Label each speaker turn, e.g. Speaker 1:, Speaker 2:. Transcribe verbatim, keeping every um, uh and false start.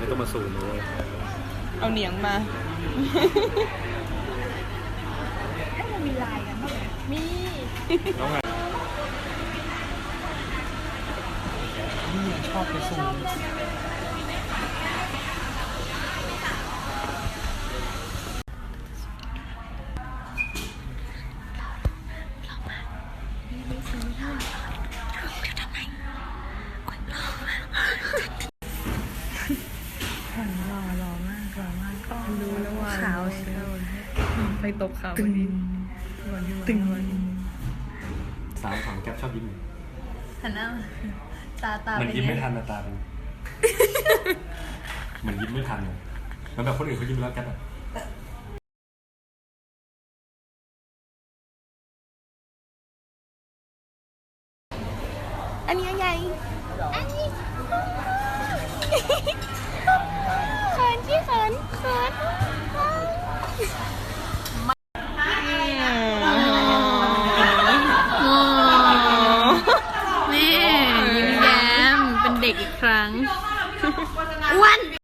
Speaker 1: ไม่ต้องมาสูงเลย
Speaker 2: เอาเหนียงมา
Speaker 3: ให้มันมีลายกันบ้างไหมมี
Speaker 1: น้องไงนี่ชอบไปสูง
Speaker 3: หล่อหล่อมากหล่อมากก็รู้แล้วว่าขาวเชียวไปตบขาวพอดีตึง
Speaker 1: สาวของแก๊ปชอบยิ้ม
Speaker 3: หันหน้าตาตา
Speaker 1: มัน
Speaker 3: เป็น
Speaker 1: ยิ้ม
Speaker 3: ไง
Speaker 1: ไม่ทันนะตาเป็นเหมือนยิ้มไม่ทันเลยมันแบบคนอื่นเขายิ้มแล้วแก๊ปอะ
Speaker 2: อันนี้ใหญ่อันนี้เขินที่เขินเขินนี่ยิ้มแย้มเป็นเด็กอีกครั้งอ้วน